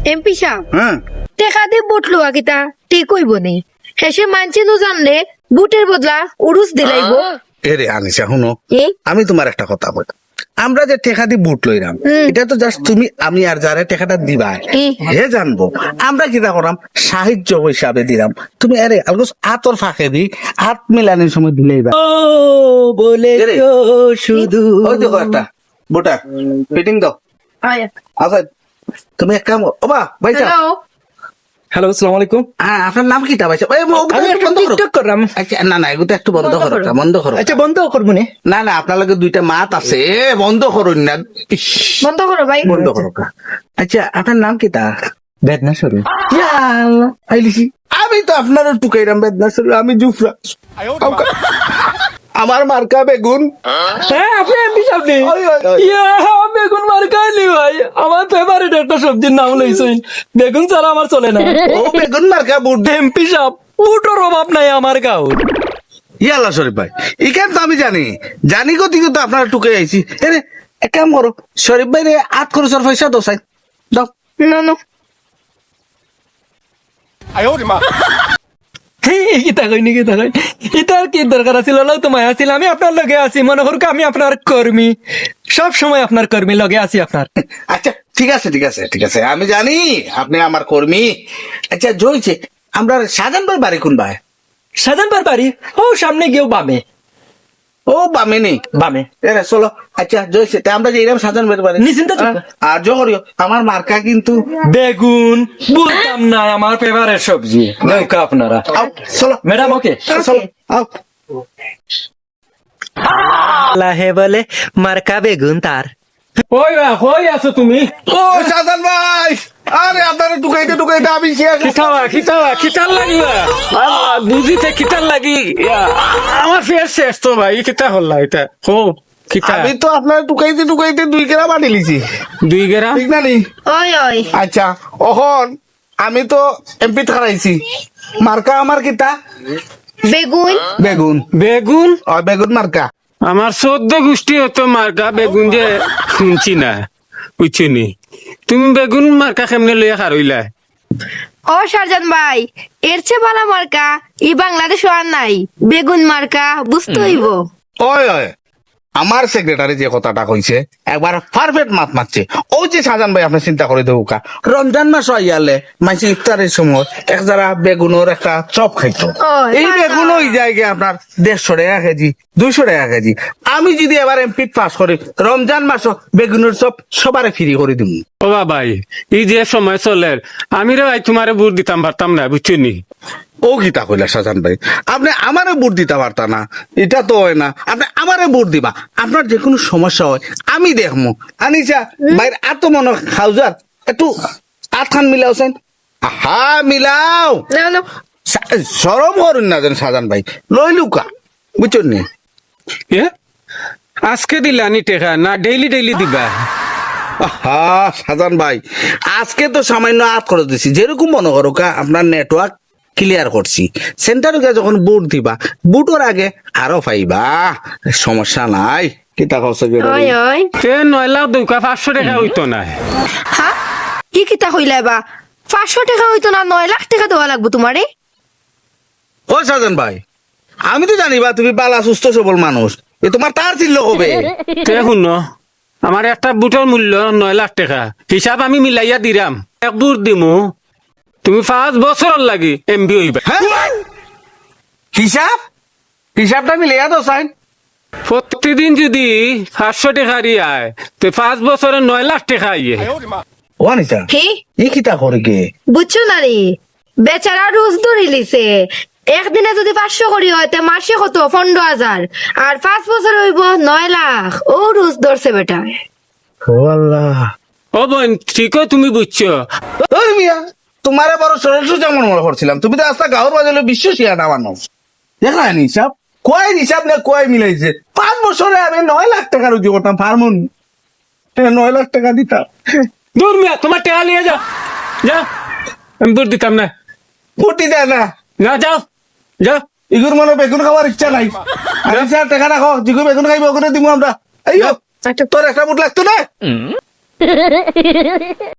MP সাহেব হ্যাঁ টেকা দিয়ে বুট লোয়া কিতা ঠিক হইব নি হেসে মানছে নু জানলে বুটের বদলা উরুস দিলাইব এরে আনিসা শুনো কি আমি তোমার একটা কথা বলি আমরা যে টেকা দিয়ে বুট লইলাম এটা তো জাস্ট তুমি আমি আর যারা টেকাটা দিবা হে জানবো আমরা কিটা করাম সাহায্য হিসাবে দিলাম তুমি আরে আলগোস আতর ফাঁকে দি হাত মিলানোর সময় দিলেইবা বলে এরে। শুধু ওই দেখো একটা বুটা ফিটিং দাও আচ্ছা তুমি এক কাম ও বা ভাই সাহেব হ্যালো হ্যালো আসসালামু আলাইকুম হ্যাঁ আপনার নাম কিটা ভাই সাহেব আমি একটা টিকটক করলাম আচ্ছা না না এগুলো একটু বন্ধ করো বন্ধ করো আচ্ছা বন্ধ করবো নে না না আপনার লগে দুইটা মাত আছে বন্ধ করুন না ইস, বন্ধ করো ভাই বন্ধ করো কা। আচ্ছা আপনার নাম কিটা বেদনা শুরু আইলিছি আমি তো আপনারও টুকাইরাম বেদনা শুরু আমি জুফরা আমার মার্কা বেগুন হ্যাঁ আপনি এমপি সাহেব নি ওই, ওই, ওই। ইয়া বেগুন মার্কাইলি ভাই আমার ফেভারিট একটা সবজির নাম লইছেন বেগুন ছাড়া আমার চলে না ও বেগুন মার্কা বুট এমপি সাহেব বুটোর অভাব নাই আমার গাঁও ইয়াল্লা শরীফ ভাই ইখান তো আমি জানি জানি গতি তো আপনার টুকে আইছি এরে এক কাম করো শরীফ ভাই রে আট খরচের পয়সা দো চাই দাও না না কিতা কইনি কিতা কই ইতার কি দরকার আছিল লও তো মায়া ছিল আমি আপনার লগে আছি মনে করুক আমি আপনার কর্মী সব সময় আপনার কর্মী লগে আছি আপনার আচ্ছা ঠিক আছে ঠিক আছে ঠিক আছে আমি জানি আপনি আমার কর্মী আচ্ছা জয়ছে আমরা সাজান ভাই বাড়ি কোন ভাই সাজানবার বাড়ি ও সামনে গিয়েও বামে ও বামে নেই বামে এরে চলো আচ্ছা জয়ছে তা আমরা যে এরকম সাজান ভাই বাড়ি নিশ্চিন্ত থাকো। আর জহরিও আমার মার্কা কিন্তু বেগুন বলতাম না আমার ফেভারিট সবজি নৌকা আপনারা আও চলো ম্যাডাম ওকে চলো আও লাহে বলে মার্কা বেগুন তার ওই আছো তুমি ও সাজান ভাই আরে আপনারা টুকাইতে টুকাইতে আমি শেষ খিতার লাগবে বুঝিতে খিতার লাগি আমার ফের শেষ তো ভাই কিতা হল এটা হো কিতা আমি তো আপনার টুকাইতে টুকাইতে 2 গ্রাম আনি লিছি দুই গেরা ঠিক না নি ওই ওই আচ্ছা অহন আমি তো এমপি খারাইছি মার্কা আমার কিতা বেগুন বেগুন বেগুন বেগুন মার্কা আমার 14 গোষ্ঠী হতো মার্কা বেগুন যে শুনছি না বুঝছি তুমি বেগুন মার্কা কেমনে লইয়া খারইলা ও শারজান ভাই এর চেয়ে ভালো মার্কা এই বাংলাদেশ আর নাই বেগুন মার্কা বুঝতে হইব ওই ওই আমার সেক্রেটারি যে কথাটা কইছে একবার পারফেক্ট মাত মারছে ও যে সাজান ভাই আপনি চিন্তা করে দেবো কা রমজান মাস আইয়ালে মাইসি ইফতারের সময় এক যারা বেগুনের একটা চপ খাইতো ওই, এই পারতাম। বেগুন ওই জায়গায় আপনার 150 টাকা কেজি 200 টাকা কেজি আমি যদি এবার এমপি পাস করি রমজান মাস বেগুনের চপ সবারে ফ্রি করে দিব ও ভাই এই যে সময় চলে আমি রে ভাই তোমারে বুট দিতাম পারতাম না বুঝছি ও গীতা কইলা সাজান ভাই আপনি আমারে ভোট দিতে পারতা না এটা তো হয় না আপনি আমারে ভোট দিবা আপনার যে কোনো সমস্যা হয় আমি দেখমু আনিসা ভাইয়ের এত মনে খাউজার একটু আটখান মিলাওছেন হা মিলাও না না সরম করুন না যেন সাজান ভাই লইলুকা বুঝছেন নি এ আজকে দিলানি টেকা না ডেইলি ডেইলি দিবা হা সাজান ভাই আজকে তো সামান্য আট করে দিছি যেরকম মনে করো কা আপনার নেটওয়ার্ক ক্লিয়ার করছি সেন্টারে যখন বুট দিবা বুটোর আগে আরো পাইবা সমস্যা নাই কিতা কইছে ওই ওই তে 9 লাখ দুকা 500 টাকা হইতো না হ্যাঁ কি কিতা হইলাই বা 500 টাকা হইতো না 9 লাখ টাকা দেওয়া লাগবে তোমারে ও সাজান ভাই আমি তো জানিবা তুমি বালা সুস্থ সবল মানুষ এ তোমার তার ছিল হবে তে শুনো আমার একটা বুটের মূল্য 9 লাখ টাকা হিসাব আমি মিলাইয়া দিরাম এক বুট দিমু তুমি 5 বছর লাগি এমবি হইবা হ্যাঁ হিসাব হিসাবটা মিলে তো সাইন প্রতিদিন যদি 500 টাকা আয় তো 5 বছরে 9 লাখ টাকা আইয়ে ও আনিসা হে ই কিতা করে কে বুঝছো না রে বেচারা রোজ ধরে লিছে একদিনে যদি 500 করি হয় তে মাসে কত 15,000 আর 5 বছর হইব 9 লাখ ও রোজ ধরছে বেটা ও আল্লাহ ও বোন ঠিকও তুমি বুঝছো ওই মিয়া তোমারে বড় সরস্ব যেমন মনে করছিলাম তুমি তো আস্তা গাঁর বাজালে বিশ্ব শিয়া না মানুষ দেখা হিসাব কয় হিসাব না কয় মিলাইছে 5 বছরে আমি 9 লাখ টাকা রুজি করতাম ফার্মন 9 লাখ টাকা দিতাম দূর মিয়া তোমার টাকা নিয়ে যাও যাও আমি বুট দিতাম না ফুটি দেয় না না যাও যাও ইগুর মনে বেগুন খাওয়ার ইচ্ছা নাই আমি স্যার টাকা রাখো জিগু বেগুন খাইবো ওখানে দিব আমরা এই তোর একটা বুট লাগতো না